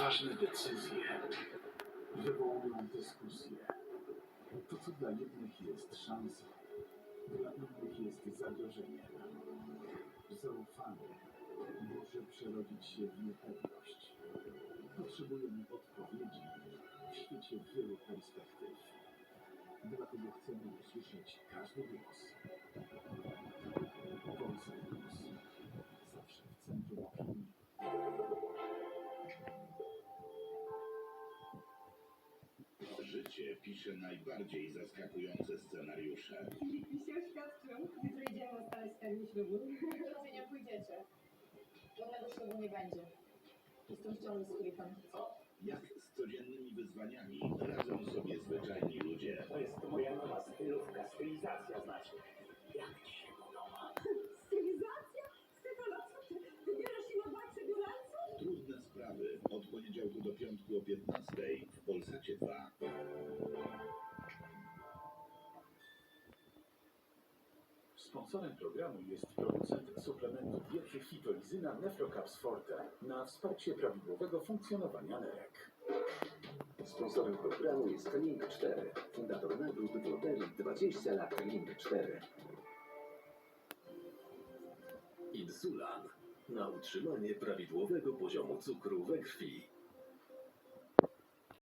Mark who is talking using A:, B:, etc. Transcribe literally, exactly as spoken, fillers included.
A: ważne decyzje wywołują dyskusje. To, co dla jednych jest szansą, dla innych jest zagrożeniem. Zaufanie może przerodzić się w niepewność. Potrzebujemy odpowiedzi w świecie wielu perspektyw. Dlatego chcemy usłyszeć każdy głos. Polsat News. Zawsze w centrum opinii.
B: Życie pisze najbardziej zaskakujące scenariusze.
C: Filip się oświadczył. Jutro idziemy ustalać termin ślubu.
D: Do nie pójdziecie. Żadnego ślubu nie będzie. Jestem w ciąży z Filipem.
B: Jak z codziennymi wyzwaniami radzą sobie zwyczajni ludzie.
E: To jest moja nowa stylówka, stylizacja znaczy. Jak ci się podoba?
C: Stylizacja? Stefana, co ty? Wybierasz się na bakse biurańców?
B: Trudne sprawy od poniedziałku do piątku o piętnastej w Polsacie dwa.
A: Sponsorem programu jest producent suplementu diety Fitolizyna Nefrocaps Forte na wsparcie prawidłowego funkcjonowania nerek.
F: Sponsorem programu jest Link cztery, fundator nagród w loterii dwadzieścia lat Link cztery.
G: Insulan na utrzymanie prawidłowego poziomu cukru we krwi.